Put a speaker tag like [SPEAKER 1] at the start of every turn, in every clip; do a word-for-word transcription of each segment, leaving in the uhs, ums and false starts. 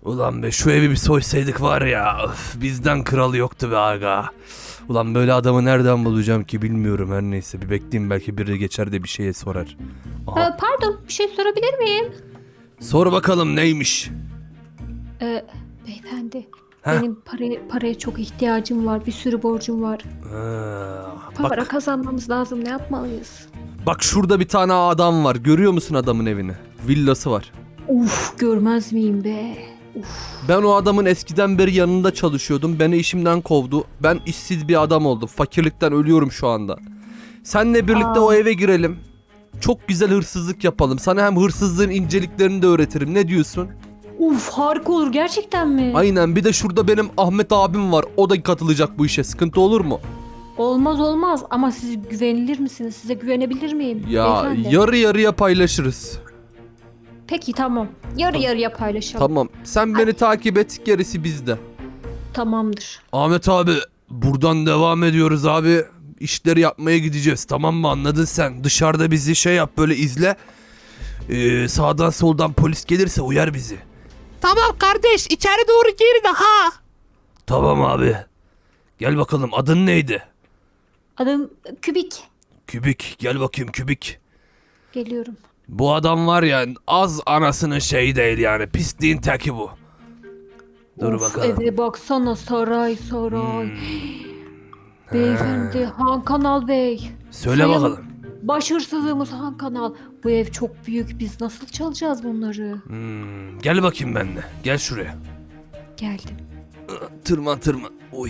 [SPEAKER 1] Ulan be şu evi bir soysaydık var ya, öf, bizden kralı yoktu be aga. Ulan böyle adamı nereden bulacağım ki bilmiyorum, her neyse bir bekleyeyim, belki biri geçer de bir şeye sorar. Aha.
[SPEAKER 2] Ee, pardon, bir şey sorabilir miyim?
[SPEAKER 1] Sor bakalım neymiş?
[SPEAKER 2] Ee, beyefendi,
[SPEAKER 1] Heh.
[SPEAKER 2] benim paraya, paraya çok ihtiyacım var. Bir sürü borcum var.
[SPEAKER 1] Ha,
[SPEAKER 2] Para
[SPEAKER 1] bak,
[SPEAKER 2] kazanmamız lazım. Ne yapmalıyız?
[SPEAKER 1] bak şurada bir tane adam var, görüyor musun adamın evini? Villası var.
[SPEAKER 2] Uf, görmez miyim be? Uf.
[SPEAKER 1] Ben o adamın eskiden beri yanında çalışıyordum. Beni işimden kovdu. Ben işsiz bir adam oldum. Fakirlikten ölüyorum şu anda. Seninle birlikte
[SPEAKER 2] Aa.
[SPEAKER 1] o eve girelim. Çok güzel hırsızlık yapalım. Sana hem hırsızlığın inceliklerini de öğretirim. Ne diyorsun?
[SPEAKER 2] Uf, harika olur gerçekten mi?
[SPEAKER 1] Aynen. Bir de şurada benim Ahmet abim var. O da katılacak bu işe. Sıkıntı olur mu?
[SPEAKER 2] Olmaz olmaz ama siz güvenilir misiniz? Size güvenebilir miyim?
[SPEAKER 1] Ya
[SPEAKER 2] beyefendi?
[SPEAKER 1] yarı yarıya paylaşırız.
[SPEAKER 2] Peki tamam. Yarı yarıya paylaşalım.
[SPEAKER 1] Tamam. Sen beni
[SPEAKER 2] Hadi.
[SPEAKER 1] takip et. Gerisi bizde.
[SPEAKER 2] Tamamdır.
[SPEAKER 1] Ahmet abi buradan devam ediyoruz abi. İşleri yapmaya gideceğiz, tamam mı, anladın sen? Dışarıda bizi şey yap, böyle izle. Ee, sağdan soldan polis gelirse uyar bizi.
[SPEAKER 3] Tamam kardeş, içeri doğru girin ha.
[SPEAKER 1] Tamam abi. Gel bakalım, adın neydi?
[SPEAKER 2] Adım Kübik.
[SPEAKER 1] Kübik, gel bakayım Kübik.
[SPEAKER 2] Geliyorum.
[SPEAKER 1] Bu adam var ya, az anasının şeyi değil yani, pisliğin teki bu. Dur
[SPEAKER 2] Of,
[SPEAKER 1] bakalım.
[SPEAKER 2] eve baksana, saray saray.
[SPEAKER 1] Hmm.
[SPEAKER 2] Beyefendi, Han Kanal Bey.
[SPEAKER 1] Söyle
[SPEAKER 2] Sayın
[SPEAKER 1] bakalım.
[SPEAKER 2] Baş hırsızlığımız Han Kanal. Bu ev çok büyük. Biz nasıl çalacağız bunları?
[SPEAKER 1] Hmm, gel bakayım benimle. Gel şuraya.
[SPEAKER 2] Geldim.
[SPEAKER 1] Tırman tırman. Uy.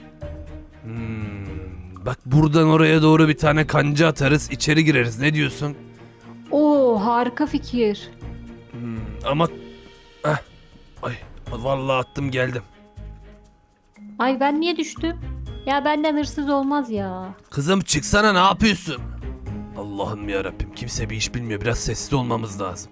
[SPEAKER 1] Hmm, bak buradan oraya doğru bir tane kanca atarız, içeri gireriz. Ne diyorsun?
[SPEAKER 2] Oo, harika fikir.
[SPEAKER 1] Hmm, ama... Heh. Ay, vallahi attım geldim.
[SPEAKER 2] Ay ben niye düştüm? Ya benden hırsız olmaz ya.
[SPEAKER 1] Kızım çıksana, ne yapıyorsun? Allah'ım yarabbim, kimse bir iş bilmiyor. Biraz sessiz olmamız lazım.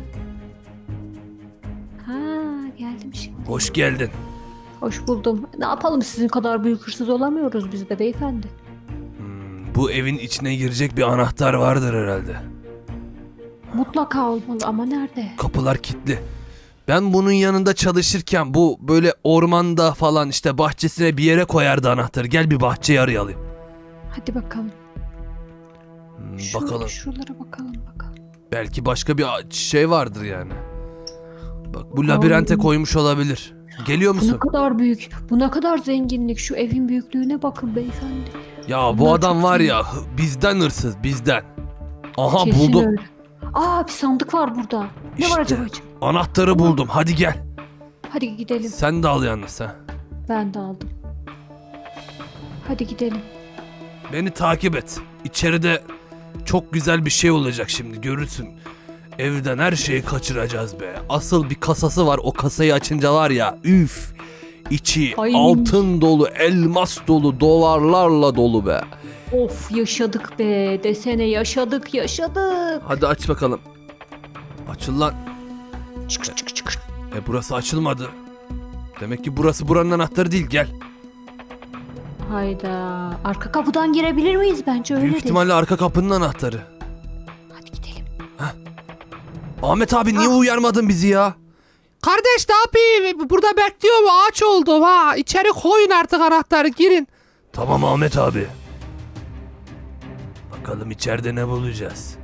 [SPEAKER 2] Ha, geldim şimdi.
[SPEAKER 1] Hoş geldin.
[SPEAKER 2] Hoş buldum. Ne yapalım, sizin kadar büyük hırsız olamıyoruz biz de beyefendi.
[SPEAKER 1] Hmm, bu evin içine girecek bir anahtar vardır herhalde.
[SPEAKER 2] Mutlaka olmalı ama nerede?
[SPEAKER 1] Kapılar kilitli. Ben bunun yanında çalışırken bu böyle ormanda falan işte bahçesine bir yere koyardı anahtarı. Gel bir bahçeyi arayalım.
[SPEAKER 2] Hadi bakalım.
[SPEAKER 1] Hmm,
[SPEAKER 2] Şöyle
[SPEAKER 1] bakalım.
[SPEAKER 2] şuralara bakalım bakalım.
[SPEAKER 1] Belki başka bir a- şey vardır yani. Bak bu labirente
[SPEAKER 2] Ay.
[SPEAKER 1] koymuş olabilir. Geliyor
[SPEAKER 2] Bu ne
[SPEAKER 1] musun?
[SPEAKER 2] kadar büyük. Bu ne kadar zenginlik. Şu evin büyüklüğüne bakın beyefendi.
[SPEAKER 1] Ya bu
[SPEAKER 2] Bunlar
[SPEAKER 1] adam
[SPEAKER 2] çok
[SPEAKER 1] var
[SPEAKER 2] zengin.
[SPEAKER 1] ya, hı- bizden hırsız, bizden. Aha
[SPEAKER 2] Kesin
[SPEAKER 1] buldum.
[SPEAKER 2] öyle. Aa, bir sandık var burada. Ne
[SPEAKER 1] İşte.
[SPEAKER 2] var acaba içinde?
[SPEAKER 1] Anahtarı buldum. Hadi gel.
[SPEAKER 2] Hadi gidelim.
[SPEAKER 1] Sen de al yalnız ha.
[SPEAKER 2] Ben de aldım. Hadi gidelim.
[SPEAKER 1] Beni takip et. İçeride çok güzel bir şey olacak şimdi, görürsün. Evden her şeyi kaçıracağız be. Asıl bir kasası var, o kasayı açınca var ya, üf. İçi
[SPEAKER 2] Ay.
[SPEAKER 1] altın dolu, elmas dolu, dolarlarla dolu be.
[SPEAKER 2] Of, yaşadık be. Desene, yaşadık yaşadık.
[SPEAKER 1] Hadi aç bakalım. Açıl lan.
[SPEAKER 2] Çık çık çık.
[SPEAKER 1] E burası açılmadı. Demek ki burası buranın anahtarı değil, gel.
[SPEAKER 2] Hayda. Arka kapıdan girebilir miyiz? Bence öyle
[SPEAKER 1] Büyük
[SPEAKER 2] değil.
[SPEAKER 1] ihtimalle arka kapının anahtarı.
[SPEAKER 2] Hadi gidelim.
[SPEAKER 1] Ahmet abi niye uyarmadın bizi ya?
[SPEAKER 3] Kardeş ne yapayım? Burada bekliyorum, ağaç oldum ha. İçeri koyun artık anahtarı, girin.
[SPEAKER 1] Tamam Ahmet abi. Bakalım içeride ne bulacağız.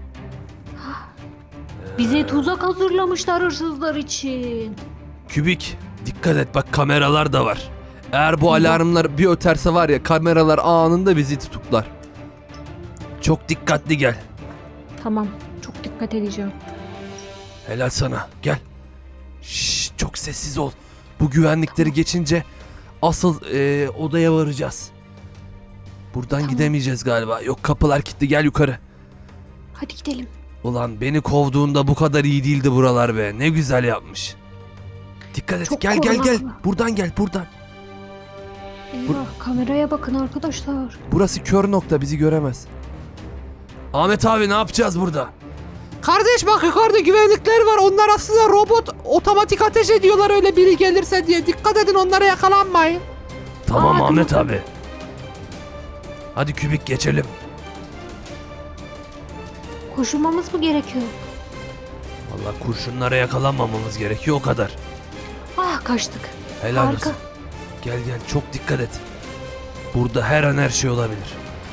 [SPEAKER 2] Bize tuzak hazırlamışlar hırsızlar için.
[SPEAKER 1] Kübik, dikkat et, bak kameralar da var. Eğer bu alarmlar bir öterse var ya, kameralar anında bizi tutuklar. Çok dikkatli gel.
[SPEAKER 2] Tamam. Çok dikkat edeceğim.
[SPEAKER 1] Helal sana, gel. Şşş, çok sessiz ol. Bu güvenlikleri geçince asıl e, odaya varacağız. Buradan
[SPEAKER 2] Tamam.
[SPEAKER 1] gidemeyeceğiz galiba. Yok, kapılar kilitli, gel yukarı.
[SPEAKER 2] Hadi gidelim.
[SPEAKER 1] Ulan beni kovduğunda bu kadar iyi değildi buralar be. Ne güzel yapmış. Dikkat et,
[SPEAKER 2] Çok
[SPEAKER 1] gel gel gel.
[SPEAKER 2] korunaklı.
[SPEAKER 1] Buradan gel, buradan.
[SPEAKER 2] Eyvah, kameraya bakın arkadaşlar.
[SPEAKER 1] Burası kör nokta, bizi göremez. Ahmet abi ne yapacağız burada?
[SPEAKER 3] Kardeş bak, yukarıda güvenlikler var. Onlar aslında robot, otomatik ateş ediyorlar öyle biri gelirse diye. Dikkat edin, onlara yakalanmayın.
[SPEAKER 1] Tamam
[SPEAKER 2] Aa,
[SPEAKER 1] Ahmet
[SPEAKER 2] dur.
[SPEAKER 1] abi. Hadi Kübik, geçelim.
[SPEAKER 2] Koşulmamız mı gerekiyor?
[SPEAKER 1] Vallahi kurşunlara yakalanmamamız gerekiyor, o kadar.
[SPEAKER 2] kaçtık.
[SPEAKER 1] Helal
[SPEAKER 2] Harika.
[SPEAKER 1] olsun. Gel gel çok dikkat et. Burada her an her şey olabilir.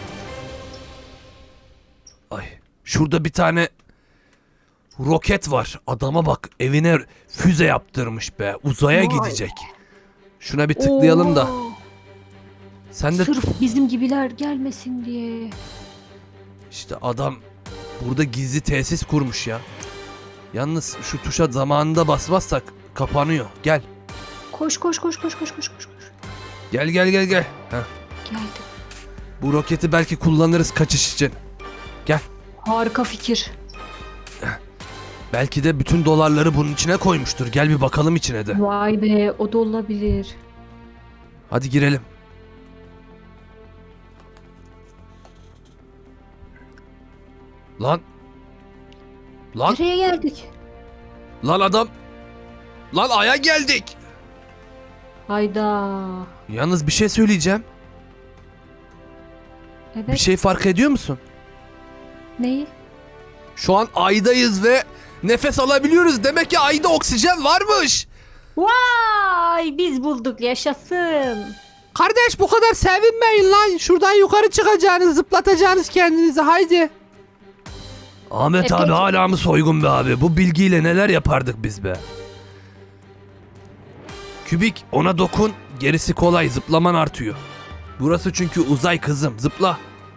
[SPEAKER 1] Ay şurada bir tane roket var. Adama bak evine füze yaptırmış be. Uzaya
[SPEAKER 2] Vay.
[SPEAKER 1] gidecek. Şuna bir tıklayalım da.
[SPEAKER 2] Oo,
[SPEAKER 1] Sen de
[SPEAKER 2] Sırf bizim gibiler gelmesin diye.
[SPEAKER 1] işte adam burada gizli tesis kurmuş ya. Yalnız şu tuşa zamanında basmazsak kapanıyor. Gel.
[SPEAKER 2] Koş koş koş koş koş koş koş. koş.
[SPEAKER 1] Gel gel gel gel. Heh.
[SPEAKER 2] Geldim.
[SPEAKER 1] Bu roketi belki kullanırız kaçış için.
[SPEAKER 2] Harika fikir.
[SPEAKER 1] Belki de bütün dolarları bunun içine koymuştur. Gel bir bakalım içine de.
[SPEAKER 2] Vay be, o da olabilir.
[SPEAKER 1] Hadi girelim. Lan. Lan.
[SPEAKER 2] Nereye geldik?
[SPEAKER 1] Lan adam. Lan aya geldik.
[SPEAKER 2] Hayda.
[SPEAKER 1] Yalnız bir şey söyleyeceğim.
[SPEAKER 2] Evet.
[SPEAKER 1] Bir şey fark ediyor musun?
[SPEAKER 2] Neyi?
[SPEAKER 1] Şu an aydayız ve nefes alabiliyoruz. Demek ki ayda oksijen varmış.
[SPEAKER 2] Vay, biz bulduk, yaşasın.
[SPEAKER 3] Kardeş bu kadar sevinmeyin lan. Şuradan yukarı çıkacaksınız, zıplatacaksınız kendinizi. Haydi.
[SPEAKER 1] Ahmet
[SPEAKER 2] E,
[SPEAKER 1] abi
[SPEAKER 2] peki.
[SPEAKER 1] hala mı soygun be abi? Bu bilgiyle neler yapardık biz be? Kübik ona dokun, gerisi kolay, zıplaman artıyor. Burası çünkü uzay kızım, zıpla.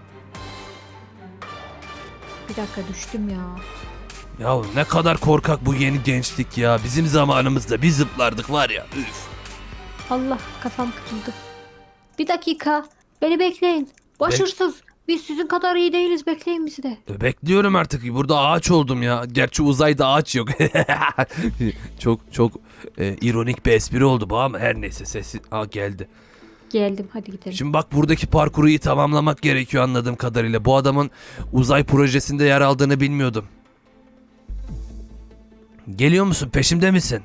[SPEAKER 2] Bir dakika, düştüm ya.
[SPEAKER 1] Ya ne kadar korkak bu yeni gençlik ya. Bizim zamanımızda biz zıplardık var ya. Üf.
[SPEAKER 2] Allah, kafam kırıldı. Bir dakika, beni bekleyin. Başarısız. Biz sizin kadar iyi değiliz, bekleyin bizi de.
[SPEAKER 1] Bekliyorum artık. Burada ağaç oldum ya. Gerçi uzayda ağaç yok. çok çok e, ironik bir espri oldu bu ama her neyse sesi Aa, geldi.
[SPEAKER 2] Geldim, hadi gidelim.
[SPEAKER 1] Şimdi bak buradaki parkuru iyi tamamlamak gerekiyor anladığım kadarıyla. Bu adamın uzay projesinde yer aldığını bilmiyordum. Geliyor musun? Peşimde misin?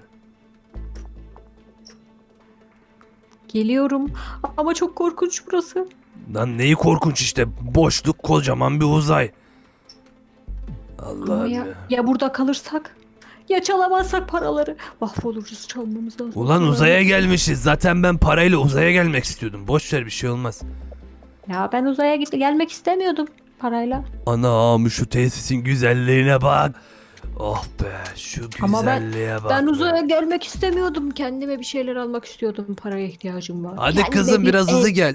[SPEAKER 2] Geliyorum ama çok korkunç burası.
[SPEAKER 1] Lan neyi korkunç işte. Boşluk kocaman bir uzay.
[SPEAKER 2] Ama
[SPEAKER 1] Allah'ım
[SPEAKER 2] ya,
[SPEAKER 1] ya.
[SPEAKER 2] ya burada kalırsak? Ya çalamazsak paraları? Mahvoluruz, çalmamız lazım.
[SPEAKER 1] Ulan uzaya gelmişiz. Zaten ben parayla uzaya gelmek istiyordum. Boş ver bir şey olmaz.
[SPEAKER 2] Ya ben uzaya git gelmek istemiyordum parayla.
[SPEAKER 1] Anam şu tesisin güzelliğine bak. Oh be şu
[SPEAKER 2] Ama ben-
[SPEAKER 1] güzelliğe bak.
[SPEAKER 2] Ben
[SPEAKER 1] be.
[SPEAKER 2] uzaya gelmek istemiyordum. Kendime bir şeyler almak istiyordum. Paraya ihtiyacım var.
[SPEAKER 1] Hadi
[SPEAKER 2] Kendime
[SPEAKER 1] kızım
[SPEAKER 2] bir
[SPEAKER 1] biraz
[SPEAKER 2] ev-
[SPEAKER 1] hızlı gel.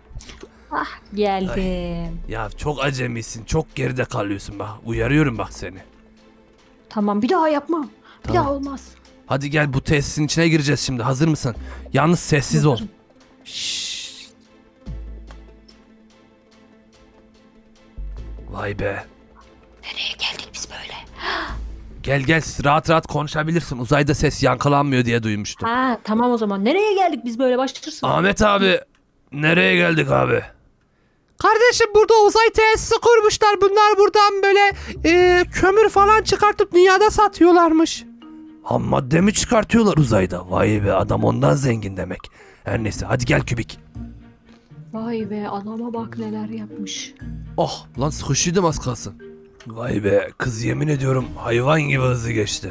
[SPEAKER 2] Geldim.
[SPEAKER 1] Ya çok acemisin. Çok geride kalıyorsun bak. Uyarıyorum bak seni.
[SPEAKER 2] Tamam, bir daha yapmam. Bir
[SPEAKER 1] Tamam.
[SPEAKER 2] daha olmaz.
[SPEAKER 1] Hadi gel bu tesisin içine gireceğiz şimdi. Hazır mısın? Yalnız sessiz ol.
[SPEAKER 2] Hazırım.
[SPEAKER 1] Şşş. Vay be.
[SPEAKER 2] Nereye geldik biz böyle?
[SPEAKER 1] Gel gel rahat rahat konuşabilirsin. Uzayda ses yankılanmıyor diye duymuştum.
[SPEAKER 2] Ha tamam o zaman. Nereye geldik biz böyle, başlatırsın.
[SPEAKER 1] Ahmet abi nereye geldik abi?
[SPEAKER 3] Kardeşim burada uzay tesisi kurmuşlar. Bunlar buradan böyle e, kömür falan çıkartıp dünyada satıyorlarmış.
[SPEAKER 1] Ham madde mi çıkartıyorlar uzayda? Vay be adam ondan zengin demek. Her neyse hadi gel Kübik.
[SPEAKER 2] Vay be, adama bak neler yapmış.
[SPEAKER 1] Oh lan sıkışıydım az kalsın. Vay be kız yemin ediyorum hayvan gibi hızlı geçti.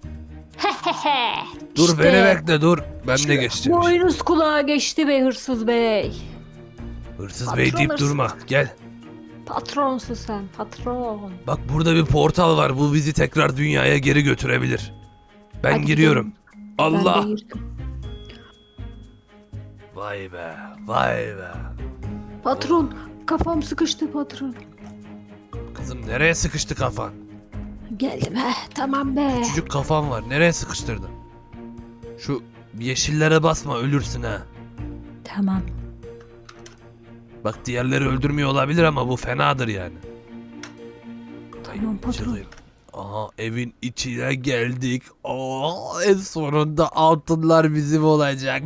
[SPEAKER 1] Dur
[SPEAKER 2] İşte
[SPEAKER 1] beni bekle dur. Ben de geçeceğim.
[SPEAKER 2] Boynuz kulağa geçti be hırsız bey.
[SPEAKER 1] Hırsız bey deyip
[SPEAKER 2] Patron
[SPEAKER 1] durma. Gel.
[SPEAKER 2] Patronsun sen, patron.
[SPEAKER 1] Bak burada bir portal var. Bu bizi tekrar dünyaya geri götürebilir. Ben
[SPEAKER 2] Hadi
[SPEAKER 1] giriyorum.
[SPEAKER 2] gidelim.
[SPEAKER 1] Allah.
[SPEAKER 2] Ben de girdim.
[SPEAKER 1] Vay be. Vay be.
[SPEAKER 2] Patron, kafam sıkıştı patron.
[SPEAKER 1] Kızım nereye sıkıştı kafan?
[SPEAKER 2] Geldim he, tamam be.
[SPEAKER 1] Küçücük kafan var. Nereye sıkıştırdın? Şu yeşillere basma ölürsün ha.
[SPEAKER 2] Tamam.
[SPEAKER 1] Bak diğerleri öldürmüyor olabilir ama bu fenadır yani.
[SPEAKER 2] Tamam patron.
[SPEAKER 1] Çıkayım. Aha evin içine geldik. Aa, en sonunda altınlar bizim olacak.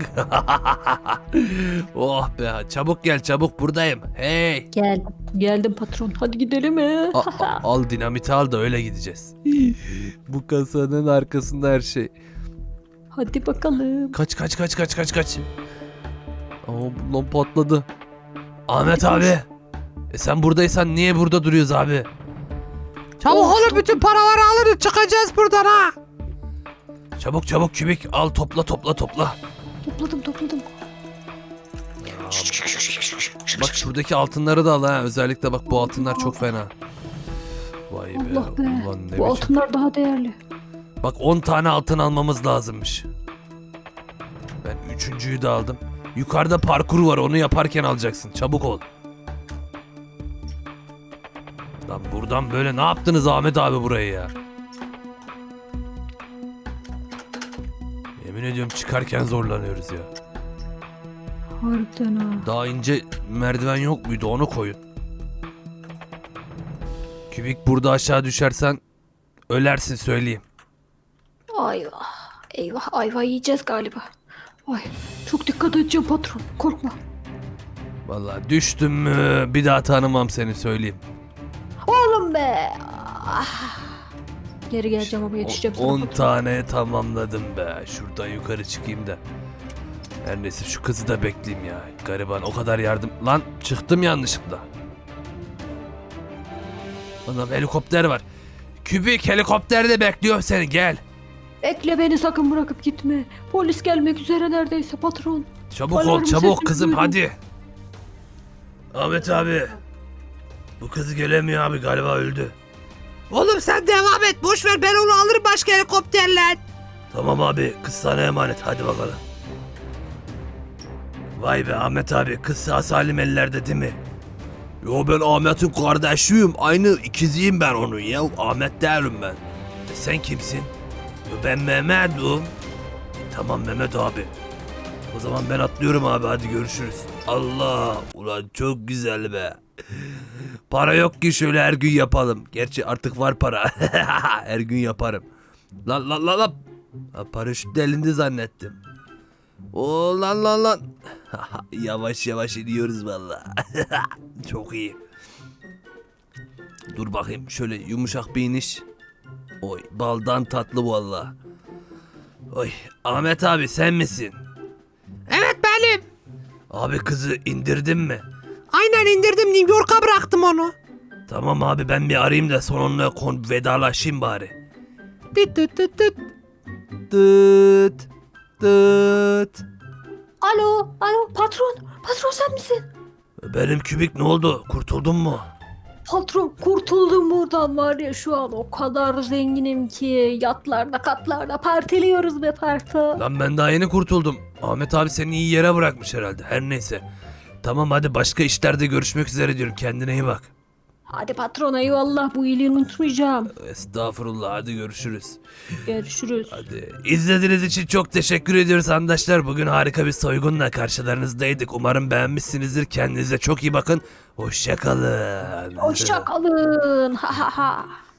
[SPEAKER 1] Oh be çabuk gel çabuk buradayım. Hey.
[SPEAKER 2] Geldim. Geldim patron. Hadi gidelim he.
[SPEAKER 1] A- a- al dinamiti al da öyle gideceğiz. Bu kasanın arkasında her şey.
[SPEAKER 2] Hadi bakalım.
[SPEAKER 1] Kaç kaç kaç kaç kaç kaç. Aa lan patladı. Ahmet
[SPEAKER 2] Hadi koş.
[SPEAKER 1] abi. E sen buradaysan niye burada duruyoruz abi?
[SPEAKER 3] Çabuk
[SPEAKER 2] Of,
[SPEAKER 3] olun bütün paraları alırız çıkacağız buradan ha.
[SPEAKER 1] Çabuk çabuk kübik al topla topla topla.
[SPEAKER 2] Topladım topladım.
[SPEAKER 1] Bak şuradaki altınları da al ha. Özellikle bak bu altınlar çok fena. Vay be.
[SPEAKER 2] Allah be.
[SPEAKER 1] Ulan ne
[SPEAKER 2] Bu
[SPEAKER 1] biçim.
[SPEAKER 2] altınlar daha değerli.
[SPEAKER 1] Bak on tane altın almamız lazımmış. Ben üçüncüyü de aldım. Yukarıda parkur var onu yaparken alacaksın. Çabuk ol. Lan buradan böyle ne yaptınız Ahmet abi burayı ya? Yemin ediyorum çıkarken zorlanıyoruz ya.
[SPEAKER 2] Harbiden ha.
[SPEAKER 1] Daha ince merdiven yok muydu onu koyun. Kübik burada aşağı düşersen ölersin söyleyeyim.
[SPEAKER 2] Ayvah. Eyvah ayvah yiyeceğiz galiba. Ay çok dikkat edeceğim patron. Korkma.
[SPEAKER 1] Vallahi düştüm mü bir daha tanımam seni söyleyeyim.
[SPEAKER 2] Oğlum be. Ah. Geri geleceğim ama yetişeceğim sana
[SPEAKER 1] on
[SPEAKER 2] patron.
[SPEAKER 1] tane tamamladım be. Şuradan yukarı çıkayım da. Her neyse şu kızı da bekleyeyim ya. Gariban o kadar yardım. Lan çıktım yanlışlıkla. Anam helikopter var. Kübik helikopterde bekliyor seni gel.
[SPEAKER 2] Bekle beni sakın bırakıp gitme. Polis gelmek üzere neredeyse patron.
[SPEAKER 1] Çabuk ol
[SPEAKER 2] Alarm
[SPEAKER 1] çabuk
[SPEAKER 2] sesi
[SPEAKER 1] kızım
[SPEAKER 2] duyuyorum.
[SPEAKER 1] hadi. Ahmet abi. Bu kız gelemiyor abi galiba öldü.
[SPEAKER 3] Oğlum sen devam et. Boş ver ben onu alırım başka helikopterle.
[SPEAKER 1] Tamam abi kız sana emanet hadi bakalım. Vay be Ahmet abi kız sağ salim ellerde değil mi? Yo ben Ahmet'in kardeşiyim. Aynı ikiziyim ben onun ya. Ahmet değilim ben. E, sen kimsin? Yo, ben Mehmet'im. Tamam Mehmet abi. O zaman ben atlıyorum abi hadi görüşürüz. Allah ulan çok güzel be. Para yok ki şöyle her gün yapalım. Gerçi artık var para. Her gün yaparım. Lan lan lan lan. Ha, paraşüt de elinde zannettim. Oo lan lan lan. Yavaş yavaş iniyoruz valla. Çok iyi. Dur bakayım şöyle yumuşak bir iniş. Oy baldan tatlı valla. Oy Ahmet abi sen misin?
[SPEAKER 3] Evet benim.
[SPEAKER 1] Abi kızı indirdin mi?
[SPEAKER 3] Aynen indirdim New York'a bıraktım onu.
[SPEAKER 1] Tamam abi ben bir arayayım da sonunla kon vedalaşayım bari.
[SPEAKER 3] Tıt tıt tıt tıt.
[SPEAKER 1] Tıt tıt.
[SPEAKER 2] Alo alo patron. Patron sen misin?
[SPEAKER 1] Benim kübik ne oldu? Kurtuldun mu?
[SPEAKER 2] Patron kurtuldum buradan var ya şu an o kadar zenginim ki yatlarda katlarda partiliyoruz be patron.
[SPEAKER 1] Lan ben daha yeni kurtuldum. Ahmet abi seni iyi yere bırakmış herhalde. Her neyse. Tamam hadi başka işlerde görüşmek üzere diyorum. Kendine iyi bak.
[SPEAKER 2] Hadi patron eyvallah bu iyiliğini unutmayacağım.
[SPEAKER 1] Estağfurullah hadi görüşürüz.
[SPEAKER 2] Görüşürüz.
[SPEAKER 1] Hadi. İzlediğiniz için çok teşekkür ediyoruz arkadaşlar. Bugün harika bir soygunla karşılarınızdaydık. Umarım beğenmişsinizdir. Kendinize çok iyi bakın. Hoşça kalın.
[SPEAKER 2] Hoşça kalın. Ha ha ha.